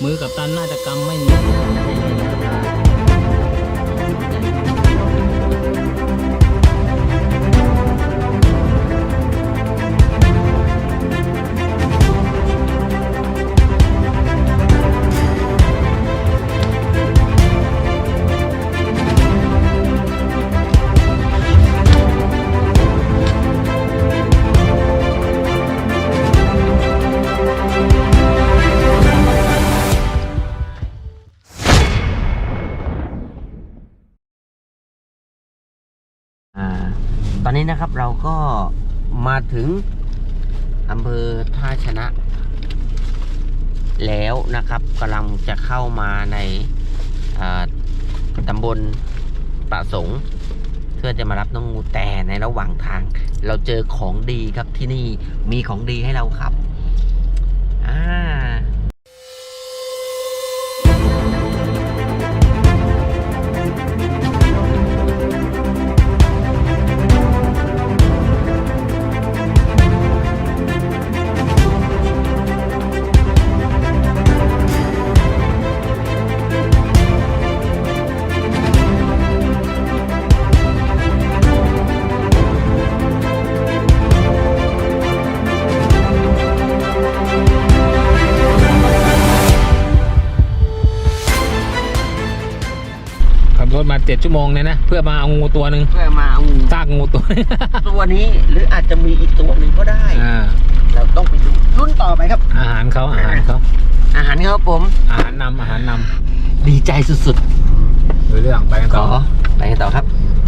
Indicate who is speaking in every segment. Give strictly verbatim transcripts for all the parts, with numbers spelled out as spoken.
Speaker 1: มือกับตันน่าจะกำไม่เหมือน
Speaker 2: ตอนนี้นะครับเราก็มาถึงอำเภอท่าชนะแล้วนะครับกำลังจะเข้ามาในตำบลประสงค์เพื่อจะมารับน้องงูแต่ในระหว่างทาง เราเจอของดีครับที่นี่มีของดีให้เราครับอ่า
Speaker 1: รถมาเจ็ดชั่วโมงเนี่ยนะเพื่อมาเอางูตัวหนึ่ง
Speaker 2: เพื่อมาเอางู
Speaker 1: ซากงูตัวนี้
Speaker 2: ตัวนี้หรืออาจจะมีอีกตัวหนึ่งก็ได้เราต้องไปดูรุ่นต่อไปครับ
Speaker 1: อาหารเขาอาหารเขา
Speaker 2: อาหารครับผม
Speaker 1: อาหารนำอาหารน
Speaker 2: ำดีใจสุด
Speaker 1: ๆดูเรื่องไปกันต่อ
Speaker 2: ไปกันต่อครับ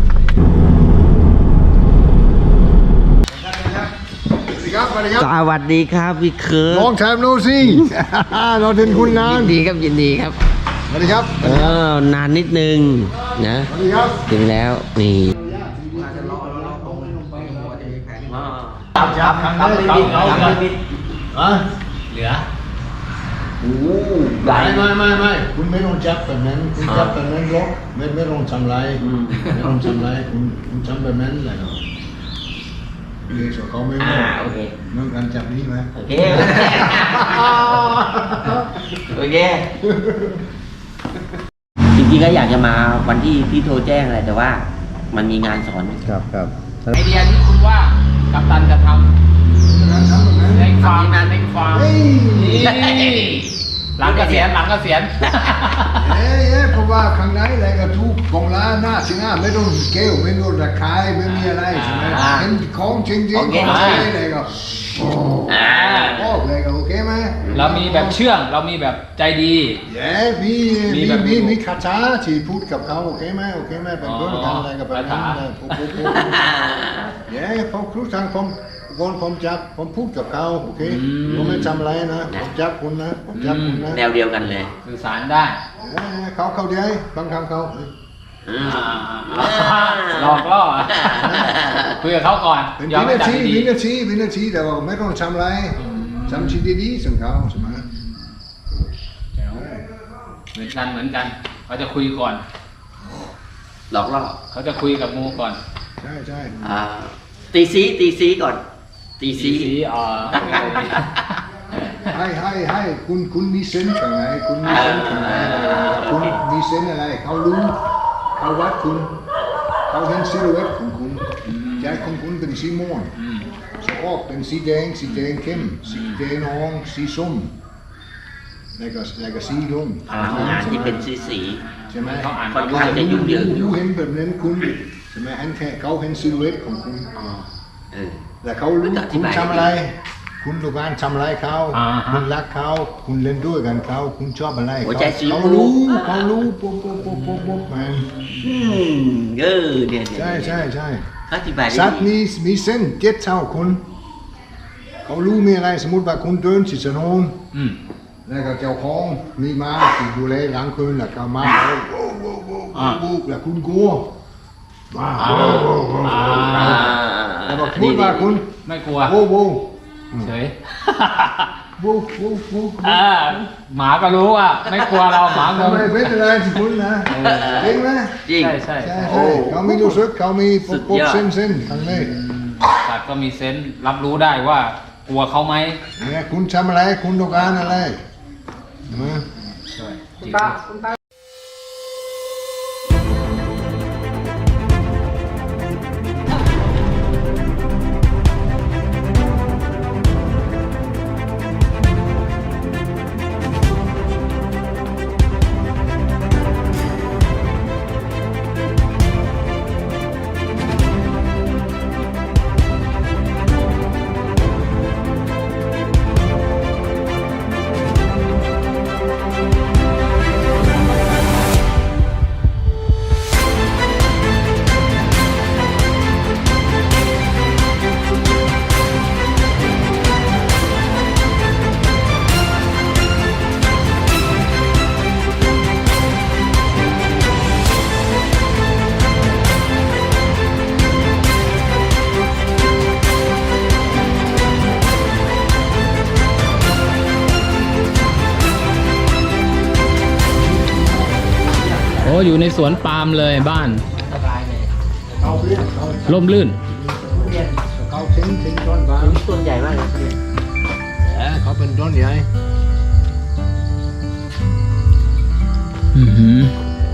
Speaker 2: สวัสดีครับพี่เคิร์
Speaker 3: Long time no see เราเห็นคุณนาน
Speaker 2: ยินดีครับยินดีครับ
Speaker 3: สวัสดีครับ
Speaker 2: เออนานนิดนึงนะ
Speaker 3: สวัสดีครับ
Speaker 2: ถึงแล้วนี่
Speaker 3: จับจับทางนี้บินเอาบินอ่ะ
Speaker 1: เหลือ
Speaker 3: โอ้ไม่ไม่ไม่ไม่คุณไม่ต้องจับแบบนั้นคุณจับแบบนั้นหรอกไม่ไม่ต้องทำไรไม่ต้องทำไรคุณคุณทำแบบนั้นแหละเนาะเรียกเขาไม่ไม่เมื่อการจับนี้ไหม
Speaker 2: โอเคโอเคจริงๆก็อยากจะมาวันที่พี่โทรแจ้งอะไรแต่ว่ามันมีงานสอน
Speaker 3: ครับครับ
Speaker 1: ไอเดียที่คุณว่ากัปตันจะทำในฟาร์มในฟาร์มหลังเกษียณหลังเกษียณ
Speaker 3: เอ๊ะเพราะว่าข้างในอะไรก็ทุกกองล้าหน้าสิหน้าไม่ต้องเกลไม่ต้องระคายไม่มีอะไรใช่ไหมเห็นของจริงจริงของใช้อะไรก็บอกเลยก็โอเคไหม
Speaker 1: เรามีแบบเชื่องเรามีแบบใจดี
Speaker 3: เย้มีมีมีมีคาถาที่พูดกับเขาโอเคไหมโอเคไหมเป็นเพื่อนกันอะไรกับแบบนั้นเลยพูดพูดพูดเย้พอครูทางผมก่อนผมจับผมพูดกับเขาโอเคผมไม่ทำอะไรนะผมจับคุณนะผมจับคุณนะ
Speaker 2: แนวเดียวกันเลย
Speaker 1: สื่อสารได้
Speaker 3: เขาเขาเดียวบางคำเขา
Speaker 1: หลอกล่อคุยกับเขาก่อน
Speaker 3: เป็นวินาทีวินาทีวินาทีแต่ว่าไม่ต้องทำอะไรทำชีวิตดีๆส่งเขาใช่ไหม
Speaker 1: เหมือนกันเหมือนกันเขาจะคุยก่อน
Speaker 2: หลอกล่อ
Speaker 1: เขาจะคุยกับงูก่อน
Speaker 3: ใช่ใช่
Speaker 2: ตีซีตีซีก่อนตีซี
Speaker 1: อ๋อ
Speaker 3: ให้ให้ให้คุณคุณมีเซนส์ข้างในคุณมีเซนส์ข้างในคุณมีเซนส์อะไรเขารู้เขาวัดคุณเขาเห็นซิลูเอตของคุณใจของคุณเป็นสีม่วงสะโพกเป็นสีแดงสีแดงเข้มสีแดงอ่อนสีส้มแล้วก็แล้วก็สีดำ
Speaker 2: งานที่เป็นสีสี
Speaker 3: ใช่ไหม
Speaker 2: เขาอ่านค่อนข้างจะยุ่งเหยิงอยู่
Speaker 3: เห็นแบบนั้นคุณใช่ไหมเห็นแค่เขาเห็นซิลูเอตของคุณแล้วเขารู้คุณทำอะไรคุณดูการทำอะไรเขาคุณรักเขาคุณเล่นด้วยกันเขาคุณชอบอะไรเขาเขารู้เขารู้ปุ๊บปุ๊บปุ๊บปุ๊บปุ๊บมัน
Speaker 2: อืมเออเนี่ย
Speaker 3: ใช่ใช่ใช่
Speaker 2: อธิบาย
Speaker 3: สัตว์มีมีเส้นเจ็ดเท่าคุณเขารู้มีอะไรสมมติว่าคุณเดินสิสนุนแล้วก็เจ้าของมีม้าที่ดูแลหลังคืนแล้วก็มาโว้โว้โว้โว้โว้แล้วคุณกลัวมาโว้โว้โว้แล้วก็พูดว่าคุณ
Speaker 1: ไม่กลัว
Speaker 3: โว้โว้
Speaker 1: เฉย
Speaker 3: โว้โว้โว้
Speaker 1: หมาก็รู้ว่าไม่กลัวเราหมาก็
Speaker 3: ไม่เป็นอะไรที่คุณนะจริงไหม
Speaker 2: จริง
Speaker 1: ใช่ใช่
Speaker 3: ใช่เขามีรู้สึกเขามีปุ๊บปุ๊บเส้นเส้นทางนี้
Speaker 1: สัตว์ก็มีเซนส์รับรู้ได้ว่ากลัวเขาไหม
Speaker 3: เนี่ยคุณทำอะไรคุณต้องการอะไร
Speaker 1: คุณตาคุณตา
Speaker 4: โอ้อยู่ในสวนปาล์มเลยบ้าน
Speaker 2: สบายเลย
Speaker 3: เขาเรียกเขา
Speaker 4: ร่มรื่น
Speaker 3: เขาเส้นเส้นต้นบาง
Speaker 2: ต้นใหญ่มากเลย
Speaker 3: เออเขาเป็นต้นใหญ่
Speaker 4: อือหือ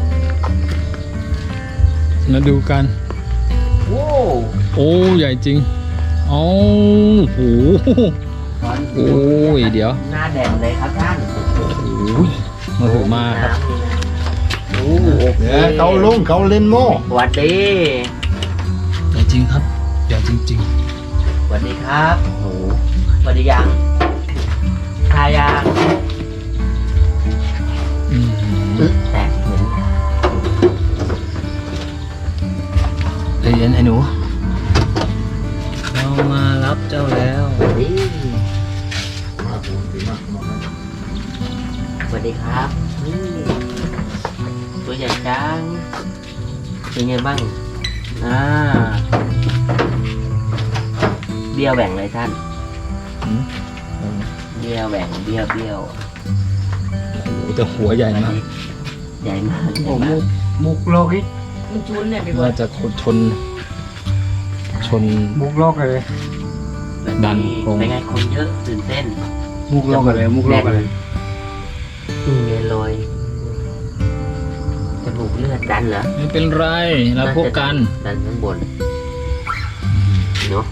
Speaker 4: มาดูกัน
Speaker 2: โอ้
Speaker 4: โอ้ใหญ่จริงโอ้โหโอ้ยเดี๋ยว
Speaker 2: หน้าแดงเลยครับท่าน
Speaker 4: โอ้ยมาถือมาครับ
Speaker 2: โอ้โอเค
Speaker 3: เออเขาลงเขาเล่นโม่
Speaker 2: สวัสดี
Speaker 4: ใหญ่จริงครับใหญ่จริง
Speaker 2: สวัสดีครับโอ้โหสวัสดียังทายัง
Speaker 4: ๆอือหือ
Speaker 2: แตกเหมือน
Speaker 4: ใจเย็นไอ้หนูเรามารับเจ้าแล้ว
Speaker 2: สวัสดี
Speaker 3: มาปูนดีมากมาครับ
Speaker 2: สวัสดีครับนี่ตัวใหญ่จังเป็นไงบ้างอ่าเบี้ยวแหว่งเลยท่าน
Speaker 4: อืม
Speaker 2: เบี้ยวแหว่งเบี้ยวเบี้ยว
Speaker 4: โอ้โหแต่หัวใหญ่มาก
Speaker 2: ใหญ่มากใหญ่
Speaker 1: โอ้
Speaker 2: มาก
Speaker 1: มุกมุกโลกิ
Speaker 5: มันจุนเนี่ยพี่บอ
Speaker 4: ว่า
Speaker 5: ล
Speaker 4: จะชน ชน
Speaker 1: มุกโลกเลย
Speaker 4: ดันโครง
Speaker 2: เป็นไงคนเยอะตื่นเต้น
Speaker 1: มุกโลกเลยมุกโลกเลย
Speaker 2: อืมเงยลอยจมูกเลือดดันเหรอ
Speaker 4: ไม่เป็นไรเราพบกัน
Speaker 2: ดันข้างบนเนาะ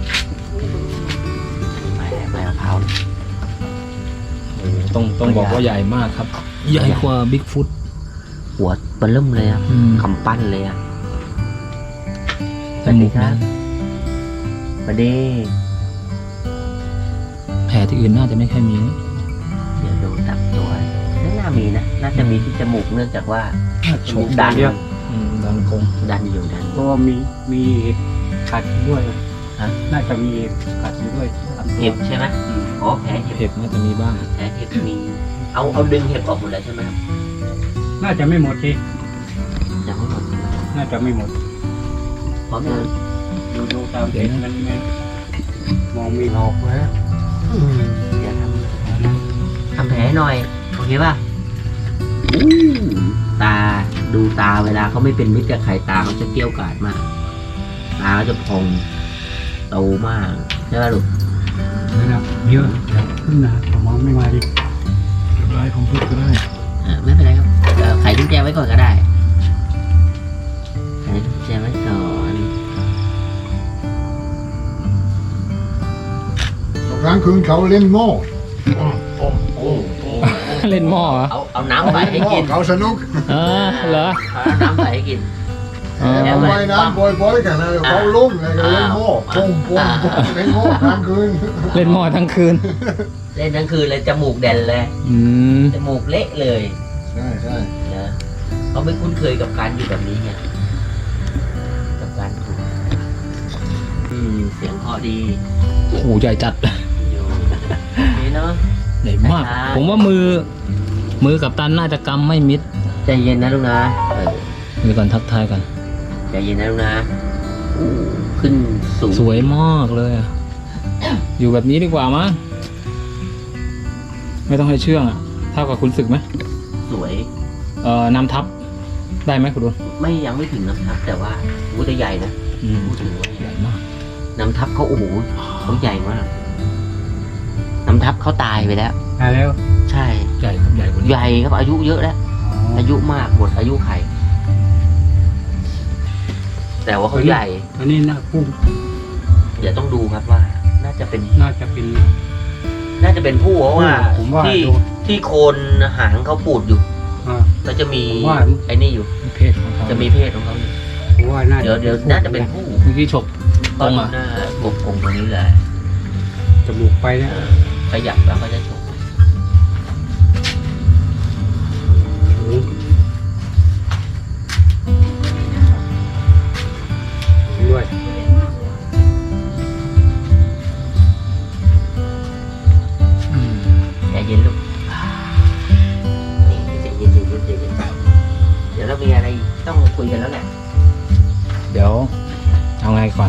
Speaker 2: ไม่ไม่มะพร้าว
Speaker 4: โอ้โหต้องต้องบอกว่าใหญ่มากครับ ใหญ่กว่าบิ๊กฟุต
Speaker 2: หัวเบลเริ่มเลยอะ
Speaker 4: อืม
Speaker 2: คำปั้นเลยอะ
Speaker 4: จมูก
Speaker 2: ครั
Speaker 4: นะ
Speaker 2: บสวัสดี
Speaker 4: แผลที่อื่นน่าจะไม่ค่อยมี
Speaker 2: เดี๋ยวดูตับตัวไม่น่ามีนะ น่าจะมีที่จมูกเนื่องจากว่าจมูกดัน
Speaker 1: เดียว
Speaker 4: อืมดันคง
Speaker 2: ดันอยู่ดัน
Speaker 1: เพราะว่ามีมีเห็บกัดอยู่ด้วย
Speaker 2: ฮะ
Speaker 1: น่าจะมีเห็บกัดอยู่ด้วยตามตัว
Speaker 2: เห็บใช่ไหมอ๋อแผลเห็บ
Speaker 4: เห็บน่าจะมีบ้าง
Speaker 2: แผลเห็บมี เอาเอาดึงเห็บออกหมดเลยใช่ไหมครับ
Speaker 1: น่าจะไม่หมดที
Speaker 2: ยังไม่หมดใช่ไหม
Speaker 1: น่าจะไม่หมด
Speaker 2: พร้อมยัง
Speaker 1: ดูดูตามเห็บมันมันมองมีหอกนะ
Speaker 2: อืมเดี๋ยวทำทำแผลให้หน่อย โอเคป่ะอู้ตาดูตาเวลาเขาไม่เป็นมิตรกับใครตาเขาจะเกรี้ยวกราดมาก ตาเขาจะพองโตมากใช่ป่ะลูก
Speaker 1: นะครับเยอะเดี๋ยวขึ้นนะผมมองไม่มาดิ
Speaker 4: ไรผมพูดก็ได้
Speaker 2: อ่าไม่เป็นไรครับเอ่อไขกุญแจไว้ก่อนก็ได้ไขกุญแจไว้ก่อน
Speaker 3: กลางคืนเขาเล่นโม่
Speaker 4: เล่นหม้อเหรอ
Speaker 2: เอาเอาน้ำใส่ให้กิน
Speaker 3: เขาสนุก
Speaker 4: เออเหรอ
Speaker 2: เอาน้ำใส่ให้กิน
Speaker 4: เออ
Speaker 3: เขาว่ายน้ำบ่อยๆกันนะเขาลุ่มเลยก็เล่นโม่ปุ้งปุ้งปุ้งเล่นโม่กลางคืน
Speaker 4: เล่นหม้อทั้งคืน
Speaker 2: เล่นทั้งคืนเลยจมูกแดนเลย
Speaker 4: อืม
Speaker 2: จมูกเละเลย
Speaker 3: ใช่ใช่
Speaker 2: นะเขาไม่คุ้นเคยกับการอยู่แบบนี้ไงกับการถูกอืมเสียงเพราะดี
Speaker 4: โอ้โหใหญ่จัด
Speaker 2: อยู่นี่เนาะ
Speaker 4: ใหญ่มาก
Speaker 2: ใช่
Speaker 4: ผมว่ามือ มือกับตันน่าจะกำไม่มิด
Speaker 2: ใจเย็นนะลูกนะเออ
Speaker 4: มือก่อนทักทายกัน
Speaker 2: ใจเย็นนะลูกนะอู้ขึ้นสูง
Speaker 4: สวยมากเลยอะอยู่แบบนี้ดีกว่ามั้งไม่ต้องให้เชื่องอะเท่ากับคุณศึกไหม
Speaker 2: สวย
Speaker 4: เอ่อนำทับได้ไหมคุณดุล
Speaker 2: ไม่ยังไม่ถึงน้ำทับแต่ว่าวูแต่ใหญ่นะ
Speaker 4: อืม
Speaker 2: พูดถึงว่า
Speaker 4: ใหญ่มาก
Speaker 2: น้ำทับเขาโอ้โหเขาใหญ่มากน้ำทับเขาตายไปแล้ว
Speaker 1: ตายแล้ว
Speaker 2: ใช่
Speaker 4: ใหญ่ครับใหญ่กว่านี้
Speaker 2: ใหญ่ครับอายุเยอะแล้วอายุมากหมดอายุไขแต่ว่าเขาใหญ่
Speaker 1: อันนี้นะพุ่ง
Speaker 2: เดี๋ยวต้องดูครับว่า น่าจะเป็น
Speaker 1: น่าจะเป็น
Speaker 2: น่าจะเป็นผู้เพราะว่า
Speaker 1: ผมว่า
Speaker 2: ที่
Speaker 1: ดู
Speaker 2: ที่โคนหางเขาปูดอยู่
Speaker 1: อ่า
Speaker 2: ก็จะมี
Speaker 1: ผมว่า
Speaker 2: ไอ้นี่อยู่
Speaker 4: เพศของเขา
Speaker 2: จะมีเพศของเขาอยู่
Speaker 1: ผมว่าน่า
Speaker 2: เดี๋ยวเดี๋ยวน่าจะเป็นผู้
Speaker 4: เมื่อกี้ฉกตรงอ่ะ
Speaker 2: หน้ากบกงตรงนี้แหละ
Speaker 1: จมูกไปเนี่ย
Speaker 2: ขยับแล้วก็จะฉก
Speaker 1: ด้วย
Speaker 4: อืม
Speaker 2: ใจเย็นลูกนี่ใจเย็นใจเย็นใจเย็นเดี๋ยวเรามีอะไรต้องคุยกันแล้วแหละ
Speaker 4: เดี๋ยวเอาไงก่อน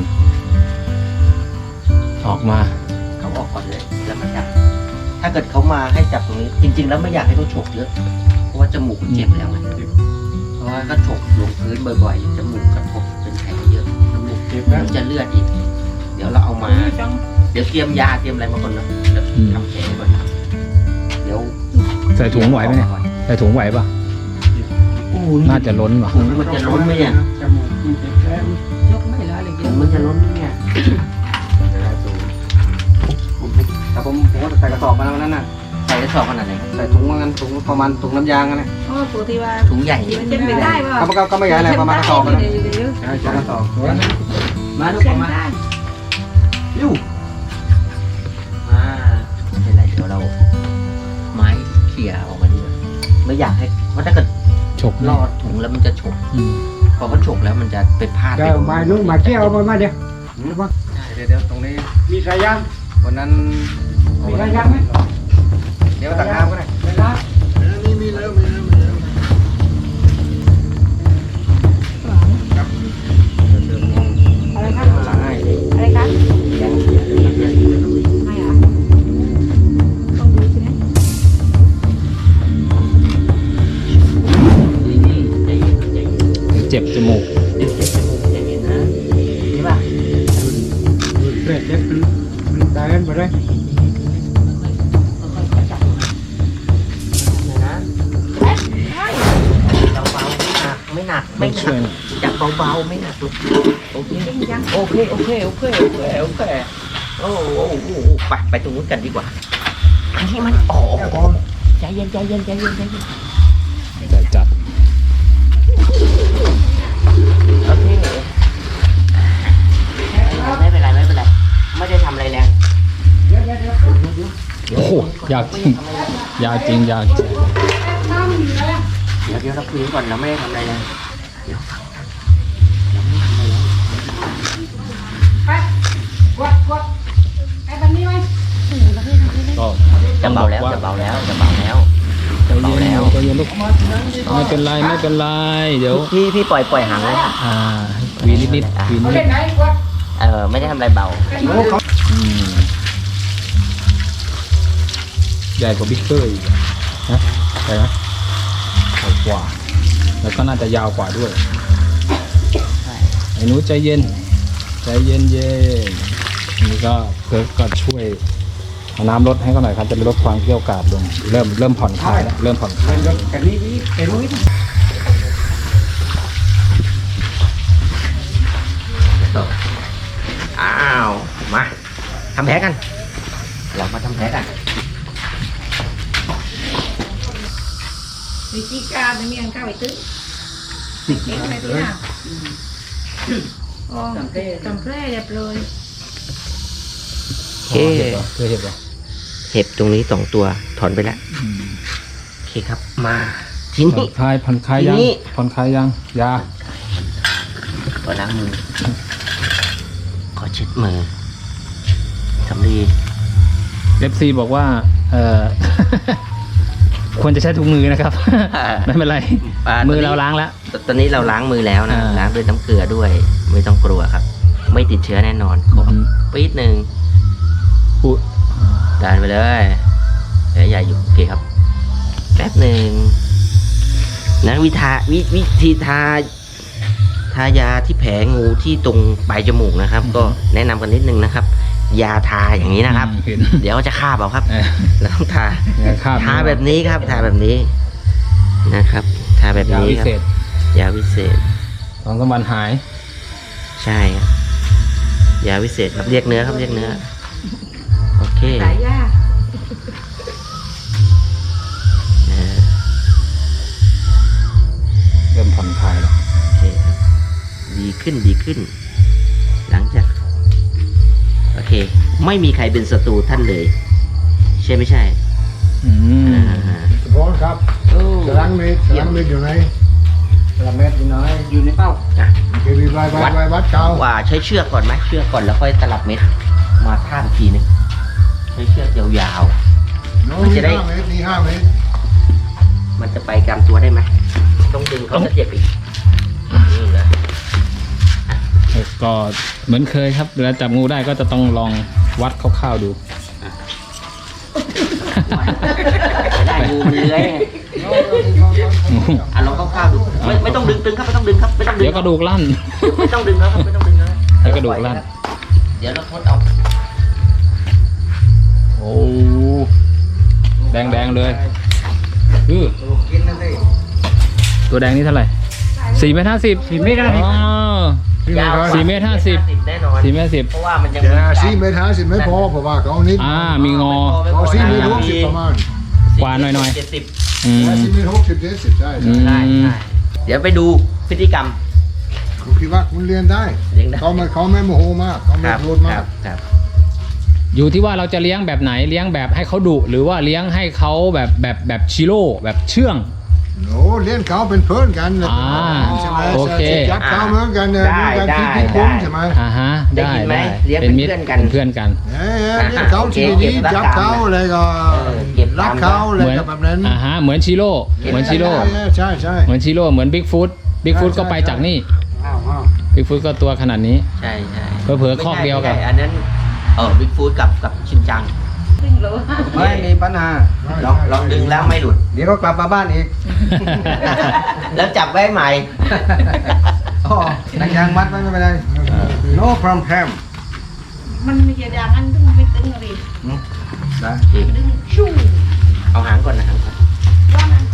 Speaker 4: ออกมา
Speaker 2: เขาออกก่อนเลยแล้วมาจับถ้าเกิดเขามาให้จับตรงนี้ จริง ๆ แล้วไม่อยากให้เขาฉกเยอะเพราะว่าจมูกเจ็บแล้วไงเพราะว่าก็ฉกลงพื้นบ่อยๆจมูกกระทบเป็นแผลเยอะจมูกเจ็บแล้วจะเลือดอีก เดี๋ยวเราเอามา เดี๋ยวเตรียมยาเตรียมอะไรมาก่อนเนาะแล้วทำแผลก่อนเดี๋ยว
Speaker 4: ใส่ถุงไหวไหมเนี่ยใส่ถุงไหวป่ะน่าจะล้นว่ะ
Speaker 2: ถุงมันจะล้นไหมเนี่ย
Speaker 1: จมูกมันเจ็บแล้ว
Speaker 5: ยกไม่ได้เลย
Speaker 2: ถุงมันจะล้นไหมเนี่ย
Speaker 1: แต่ผมผมก็ใส่กระสอบมาแล้ววันนั้นน่ะ
Speaker 2: ใส่กระสอบขนาดไหนครับ
Speaker 1: ใส่ถุงมากันถุงประมาณถุงน้ำยางกันนะ
Speaker 5: โอ้ปกติว่า
Speaker 2: ถุงใหญ่
Speaker 5: มันจะไม่ได้ป่ะ
Speaker 1: ก็ก็ก็ไม่ใหญ่อะไรประมาณกระสอบนะ
Speaker 5: เดี๋ยวเดี๋ยว
Speaker 1: ใช่ใช่กระสอบ
Speaker 2: มาลูก
Speaker 5: เช็ค
Speaker 2: มา
Speaker 5: ได้
Speaker 2: ลูกมาไม่เป็นไรเดี๋ยวเรา ไม้เขี่ยออกมาดีกว่าไม่อยากให้เพราะถ้าเกิด
Speaker 4: ฉก
Speaker 2: ลอดถุงแล้วมันจะฉก
Speaker 4: อืม
Speaker 2: พอเขาฉกแล้วมันจะไปพลาด
Speaker 1: เดี๋ยวมานุ่งมาเที่ยวมามาเดี๋ยวเดี๋ยวเดี๋ยวตรงนี้มีสายยางวันนั้นมีสายยางไหมเดี๋ยวตักน้ำก็ได้
Speaker 3: มีมีแล้วมีแล้วมีแล้ว
Speaker 5: อะไรครับ
Speaker 1: หลังให้
Speaker 5: อะไรครับไม่อ่ะต้องดูใช่ไหม
Speaker 2: นี่นี่ใจเย็นใจเย็น
Speaker 4: เจ็บจมูก
Speaker 2: เดี๋ยวเจ็บจมูกใจเย็นนะนี่ป่ะ
Speaker 1: เพื่อเจ็บมันได้กันไปเลย
Speaker 2: ค่อยๆจับนะนะเบาๆไม่หนักไม่หนักไม่ห
Speaker 4: ช่วย
Speaker 2: นักจับเบาๆไม่หนักลูกโอเค
Speaker 5: จริงจัง
Speaker 2: โอเคโอเคโอเคโอเคโอเคโอ้โหโอ้โหไปไปตรงนู้นกันดีกว่าอันนี้มันอ๋อใจเย็นใจเย็นใจเย็นใจเย็น
Speaker 4: แต่จับ
Speaker 2: โอเคไม่เป็นไรไม่เป็นไรไม่ได้ทำอะไรแรง
Speaker 4: โอ้โหยากจริงยากจริงยากจริง
Speaker 2: เดี๋ยวเดี๋ยวเราคุยกันก่อนเราไม่ได้ทำอะไรแรงเดี๋ยวฟังเราไม่ทำอะไรแรง
Speaker 5: ไปวัดวัดไอ้บันนี้ไหม
Speaker 4: ก็
Speaker 2: จะเบาแล้วจะเบาแล้วจะเบาแล้ว
Speaker 4: ใจเย็นใจเย็นลูกไม่เป็นไรไม่เป็นไรเดี๋ยว
Speaker 2: พี่พี่ปล่อยปล่อยหางเลย
Speaker 4: อ่าวีนิดนิดวีนิด
Speaker 5: เล่นไหนวัด
Speaker 2: เออไม่ได้ทำอะไรเบา
Speaker 4: อืมใหญ่กว่าบิ๊กเกอร์อีกนะใช่ไหมใหญ่กว่า แล้วก็น่าจะยาวกว่าด้วย ไอ้หนูใจเย็น ใจเย็นเย็นนี่ก็เพิร์กก็ช่วยเอาน้ำลดให้เขาหน่อยครับจะได้ลดความเกรี้ยวกราดลง เริ่มเริ่มผ่อนคลายแล้วเริ่มผ่อนคลาย
Speaker 1: กันนี้เป็นมุ้ย
Speaker 2: อ้าวมาทำแผลกัน เรามาทำแผลกัน
Speaker 5: วิธีการไม่มีอันเข้าไปตื้อเห็นอะไรที่น่ะอ๋อจำแพร่เรียบเลย
Speaker 2: โอเค
Speaker 4: เห็บเหรอเคยเห็บเหรอ
Speaker 2: เห็บตรงนี้สองตัวถอนไปแล้วโอเคครับ มาที
Speaker 4: ผ่อ
Speaker 2: นี้
Speaker 4: นคลายผ่อนคลายยัง
Speaker 2: ทีนี้
Speaker 4: ผ่อนคลายยังยา
Speaker 2: ก็ล้างมือขอเช็ดมือสำลี
Speaker 4: เอฟซีบอกว่าเออ ควรจะใช้ถุงมือนะครับ ไม่เป็นไร มือเราล้างแล้ว
Speaker 2: ตอนนี้เราล้างมือแล้วนะ
Speaker 4: อ่า
Speaker 2: ล้างด้วยน้ำเกลือด้วย ไม่ต้องกลัวครับ ไม่ติดเชื้อแน่นอนขอปี๊ดหนึ่ง
Speaker 4: อุ๊ย
Speaker 2: ดันไปเลยแผลใหญ่อยู่โอเคครับแป๊บหนึ่งนะวิธาวิวิธีทาทายาที่แผลงูที่ตรงปลายจมูกนะครับ ก็แนะนำกันนิดนึงนะครับยาทาอย่างนี้นะครับ
Speaker 4: อืมเห็น
Speaker 2: เดี๋ยวจะคาบเอาครับ
Speaker 4: เออ
Speaker 2: เราต้องทา
Speaker 4: อย่าคาบ
Speaker 2: ทาแบบนี้ครับ ทาแบบนี้นะครับ ทาแบบ
Speaker 4: ยา
Speaker 2: นี้
Speaker 4: วิ
Speaker 2: ครับ
Speaker 4: เศษ
Speaker 2: ยาวิเศษ
Speaker 4: สองสามวันหาย
Speaker 2: ใช่ครับยาวิเศษครับเรียกเนื้อครับเรียกเนื้อโอเค
Speaker 5: สายยา
Speaker 2: อ่า
Speaker 4: เริ่มผ่อนคลายแล้ว
Speaker 2: โอเคครับดีขึ้นดีขึ้น หลังจากโอเค ไม่มีใครเป็นศัตรูท่านเลย ใช่ไม่ใช่
Speaker 4: อืม
Speaker 2: อ่า
Speaker 3: สปอนครับ
Speaker 2: โอ้
Speaker 3: สลังเมตรสลังเมตรอยู่ไหน
Speaker 1: กระเม็ดอยู่น้อยอยู่ในเป้า
Speaker 2: อ่ะ
Speaker 3: เคยไปไปไปไปวัดเก่า
Speaker 2: ว่าใช้เชือกก่อนไหมเชือกก่อนแล้วค่อยตลับเม็ดมาท่ามทีหนึงใช้เชือกยาว
Speaker 3: โน้
Speaker 2: มัน
Speaker 3: มี
Speaker 2: จะได้
Speaker 3: ห้าเมตรมีห้าเมตร
Speaker 2: ๆ มันจะไปกลางตัวได้ไหมต้องดึงเขาจะเจ็บอีกนี่นะ
Speaker 4: ก็เหมือนเคยครับเวลาจับงูได้ก็จะต้องลองวัดคร่าวๆดู
Speaker 2: จะได้งูมันเลื้อยไงอ่ะลองคร่าวๆดูไม่ไม่ต้องดึงตึงครับไม่ต้องดึงครับไม่ต้องดึง
Speaker 4: เดี๋ยวกระดูกลั่น
Speaker 2: ไม่ต้องดึงแล้วครับไม่ต้องดึงแล้ว
Speaker 4: เดี๋ยวกระดูกลั่น
Speaker 2: เดี๋ยวเราทดเอา
Speaker 4: โอ้แดงแดงๆเลยคือ
Speaker 1: กินนั่นสิ
Speaker 4: ตัวแดงนี่เท่าไหร่สี่เมตรห้าสิบสี่เมตรห้าสิบ
Speaker 2: ยาว
Speaker 4: สี่เมตรห้าสิบ
Speaker 2: แน่นอน
Speaker 4: สี่เมตรสิบ
Speaker 2: เพราะว่ามันยัง
Speaker 3: เดี๋ยว
Speaker 2: มี
Speaker 3: นะ
Speaker 2: การ
Speaker 3: สี่เมตรห้าสิบไม่พอเพราะว่าเขานิด
Speaker 4: อ่ามีงอ
Speaker 3: เขาสี่เมตรหกสิบประมาณ
Speaker 4: กว่าหน่อยๆ
Speaker 2: เจ็ดสิบ
Speaker 4: อืม
Speaker 3: สี่เมตรหกสิบเจ็ดสิบใช่
Speaker 4: อื
Speaker 3: ใช่
Speaker 4: ม
Speaker 2: ใช่ใช่เดี๋ยวไปดูพฤติกรรม
Speaker 3: คุณคิดว่าคุณเรียนได้
Speaker 2: เลี้ยงได้
Speaker 3: เขาไม่เขาไม่โมโหมากเขา
Speaker 2: ค
Speaker 3: ไม่
Speaker 2: รับ
Speaker 3: โกรธ
Speaker 2: ค
Speaker 3: มา
Speaker 2: รั
Speaker 3: ก
Speaker 2: บครับ
Speaker 4: อยู่ที่ว่าเราจะเลี้ยงแบบไหนเลี้ยงแบบให้เขาดุหรือว่าเลี้ยงให้เขาแบบแบบแบบชิโร่แบบเชื่อง
Speaker 3: โน้เรียนเขาเป็นเพื่อนกันนะ
Speaker 4: อ่า
Speaker 3: ใช่ไหม
Speaker 4: โอเค
Speaker 3: จับเขาเหมือนกันเนี่ยเหมือนกันที่ที่คุ้มใช่ไหม
Speaker 4: อ่าฮะ
Speaker 2: ได้
Speaker 4: ได้
Speaker 2: ยินไหม
Speaker 4: ได้
Speaker 2: เลี้ยง
Speaker 4: เป็นมิตร
Speaker 2: เป็นเพื่อนกัน
Speaker 4: เป็นเพื่อนกัน
Speaker 3: เอ้ยเรียนเขาที่ดีจับเขาอะไรก็
Speaker 2: เออเก็บตาม
Speaker 3: รักเขาอะไร
Speaker 4: เหมือน
Speaker 3: ก็แบบนั้น
Speaker 4: อ่าฮะเหมือนชิโร่เหมือนชิโร่
Speaker 3: ใช่ใช่
Speaker 4: เหมือนชิโร่เหมือนบิ๊กฟุตบิ๊กฟุต
Speaker 3: ใช่
Speaker 4: ก็ไป
Speaker 3: ใช่
Speaker 4: จากนี่
Speaker 1: อ้าวอ้าว
Speaker 4: บิ๊กฟุตก็ตัวขนาดนี้
Speaker 2: ใช่ใช่
Speaker 4: เผลอๆคอกเดียวกับ
Speaker 2: ไม่ใช่อันนั้นเออบิ๊กฟูดกับกับชินจัง
Speaker 5: ครึ่งโล
Speaker 1: ไม่มีปัญหา
Speaker 2: ลองลองดึงแล้วไม่หลุด
Speaker 1: เดี๋ยวก็กลับมาบ้านอีก
Speaker 2: แล้วจับไว้ใหม่
Speaker 1: อ๋อนังยางมัดไว้ไม่เป็นไร no problem
Speaker 5: มันมีจะดังอันตึงไม่ตึงอะไร
Speaker 1: ได้
Speaker 5: ดึงชู่
Speaker 2: เอาหางก่อนนะหางก่อน
Speaker 5: ว่ามัน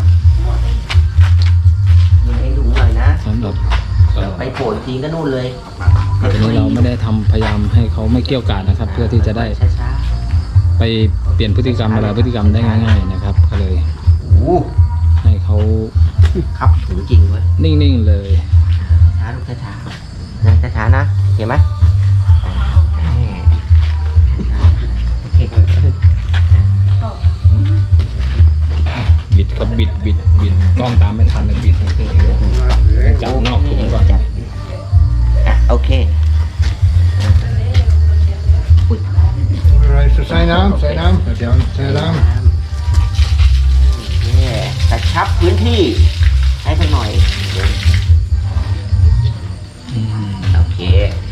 Speaker 2: ยิงให้ถุงหน่อยนะ
Speaker 4: สำหรับเอ่อ
Speaker 2: ไปโผล่อีกทีก็นู่นเลย
Speaker 4: อันนี้เราไม่ได้ทำพยายามให้เขาไม่เกี่ยวกาดนะครับ เพื่อที่จะได้
Speaker 2: ช้า
Speaker 4: ไปเปลี่ยนพฤติกรรมอะไรพฤติกรรมได้ง่าย ๆนะครับ ก็เลย
Speaker 2: ๆโอ้
Speaker 4: ให้เขา
Speaker 2: ครับถุงจริงเว้ย
Speaker 4: นิ่งๆเลย
Speaker 2: ช้าลูกช้าๆนะช้าๆนะเห็นไหมโอเค
Speaker 4: บิดก็บิดบิดบิดกล้องตามไม่ทันเลยบิดจับนอกถุงก่อน
Speaker 2: จับอ่ะโอเคอุ้ย
Speaker 3: อะไรใส่น้ำใส่น้ำเดี๋ยวใส่น้
Speaker 2: เนี่ยกระชับพื้นที่ให้สักหน่อย
Speaker 4: อืม
Speaker 2: โอเค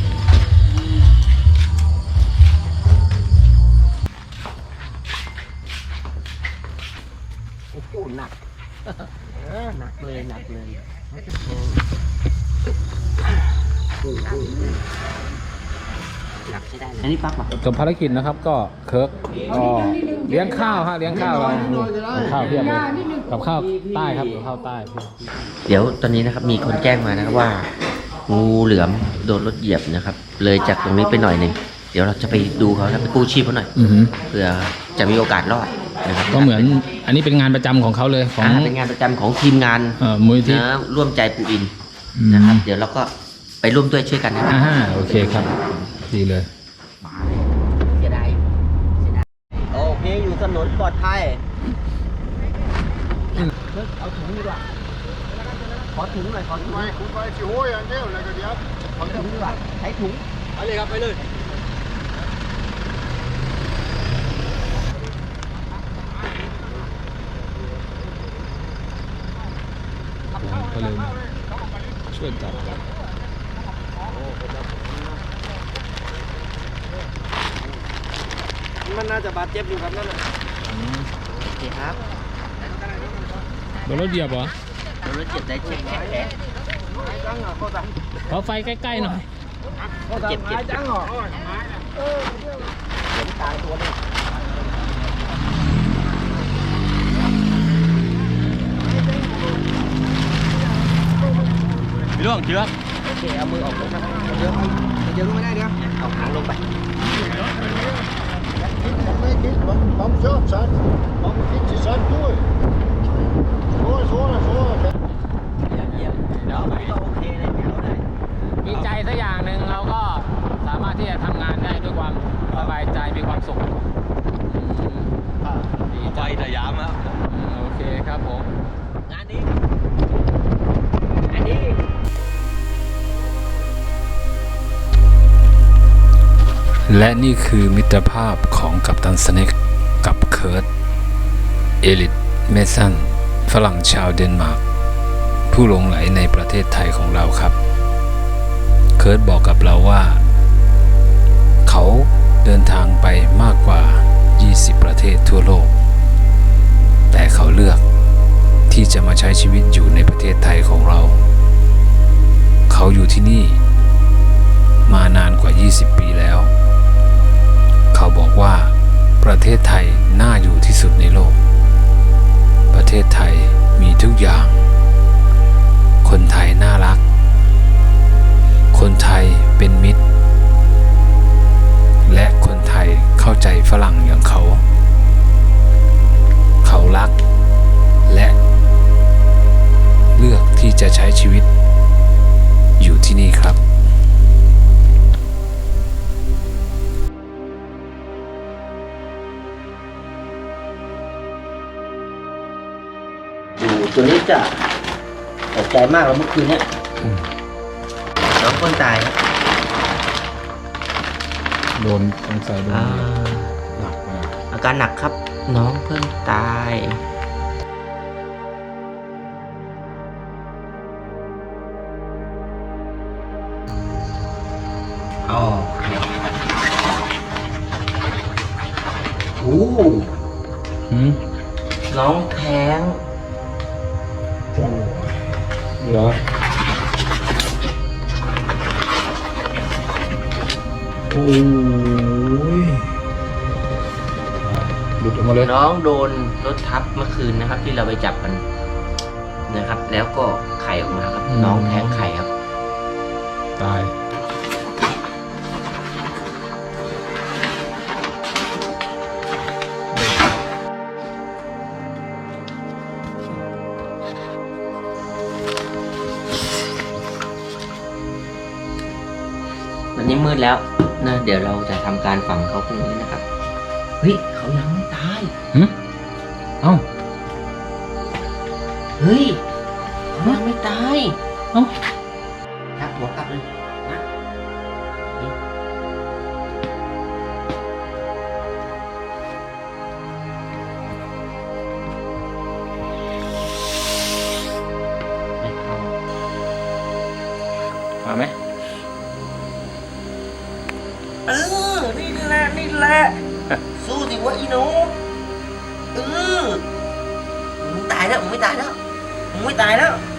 Speaker 2: โอ้โหหนักหนักเลยหนักเลยหนักใช่ได้เลยอันนี้ปั๊บอ่ะ
Speaker 4: จบภารกิจนะครับก็เคิร์กก็เลี้ยงข้าวฮะเลี้ยงข้าวเรากับข้าวเพียบเลยกับข้าวใต้ครับกับข้าวใต้เพียบ
Speaker 2: เดี๋ยวตอนนี้นะครับมีคนแจ้งมานะครับว่า งูเหลือมโดนรถเหยียบนะครับ เลยจากตรงนี้ไปหน่อยหนึ่งเดี๋ยวเราจะไปดูเขาแล้วไปกู้ชีพเขาหน่อย
Speaker 4: อือหือ
Speaker 2: เพื่อจะมีโอกาสรอดนะครับ
Speaker 4: ก็เหมือนอันนี้เป็นงานประจำของเขาเลยของ
Speaker 2: อ่าเป็นงานประจำของทีมงาน
Speaker 4: เอ่อมูลนิธิ
Speaker 2: นะร่วมใจปูอิน
Speaker 4: อืม
Speaker 2: นะครับ เดี๋ยวเราก็ไปร่วมด้วยช่วยกันนะครับ
Speaker 4: อ่าโอเคครับ ดีเลย
Speaker 2: เสียดายเสียดายโอเคอยู่ถนนปลอดภัยเอาถุงดีกว่าขอถุงหน่อยขอถุง
Speaker 3: ำไม่คุณไปที่ห้วยอย่างเดียวแล้วก็เดี๋ยว
Speaker 2: ขอถุงดีกว่าใช้ถุง
Speaker 1: ไปเลยครับไปเลย
Speaker 4: ก็เลยช่วยจับกัน
Speaker 1: มันน่าจะบาดเจ็บอยู่ครับนั่นน่ะ
Speaker 2: โอเคครับ
Speaker 4: โดนรถเหยียบเหรอ
Speaker 2: เรารถเจ็บได้เจ็บแผล
Speaker 4: ขอไฟใกล้ๆหน่อย
Speaker 2: เจ็บเจ็บ
Speaker 1: จังเหรอ
Speaker 4: พี่ล่วงเชือก
Speaker 2: โอเคเอามือออกลงนะครับ
Speaker 1: เดี๋ยวเดี๋ยวรู้ไม่ได้เดี๋ยว
Speaker 2: เอาหางลงไป
Speaker 3: Kom zo, son. Kom fietsen, son. Doe het. Voor, voor, voor.
Speaker 2: เยี่ยมเยี่ยมเดี๋ยวก็โอเคเลยเดี๋ยวได้
Speaker 4: มีใจสักอย่างหนึ่งเราก็สามารถที่จะทำงานได้ด้วยความสบายใจมีความสุขดีใจสยามครับโอเคครับผม
Speaker 2: งานนี้อันนี้
Speaker 6: และนี่คือมิตรภาพของกัปตันสเน็กกับเคิร์ตเอลิทเมสันฝรั่งชาวเดนมาร์กผู้หลงไหลในประเทศไทยของเราครับเคิร์ตบอกกับเราว่าเขาเดินทางไปมากกว่ายี่สิบประเทศทั่วโลกแต่เขาเลือกที่จะมาใช้ชีวิตอยู่ในประเทศไทยของเราเขาอยู่ที่นี่มานานกว่ายี่สิบปีแล้วเขาบอกว่าประเทศไทยน่าอยู่ที่สุดในโลกประเทศไทยมีทุกอย่างคนไทยน่ารักคนไทยเป็นมิตรและคนไทยเข้าใจฝรั่งอย่างเขาเขารักและเลือกที่จะใช้ชีวิตอยู่ที่นี่ครับ
Speaker 2: ตัวนี้จะตกใจมากแล้วเมื่อคืนเนี้ยน้องคนตายครับ
Speaker 4: โดนสงสัยโดน
Speaker 2: อ่า
Speaker 4: หนักมาก
Speaker 2: อาการหนักครับ น้องเพิ่งตายอ๋อโอ้
Speaker 4: หืม
Speaker 2: น้องแท้ง
Speaker 4: เหรอโอ้ยหลุดออกมาเลย
Speaker 2: น้องโดนรถทับเมื่อคืนนะครับ ที่เราไปจับกันนะครับ แล้วก็ไข่ออกมาครับ น้องแท้งไข่ครับ
Speaker 4: ตาย
Speaker 2: วันนี้มืดแล้วนะเดี๋ยวเราจะทำการฝังเขาพรุ่งนี้นะครับ เฮ้ยเขายังไม่ตาย
Speaker 4: หืมเอ้า
Speaker 2: เฮ้ยเขายังไม่ตายเอ้าชักหัวกลับเลยนะนี่ไม่เข้า
Speaker 4: มาไหม
Speaker 2: เออ นี่แหละ นี่แหละ สู้สิวะอีหนูเออมึงตายแล้วมึงไม่ตายแล้วมึงไม่ตายแล้ว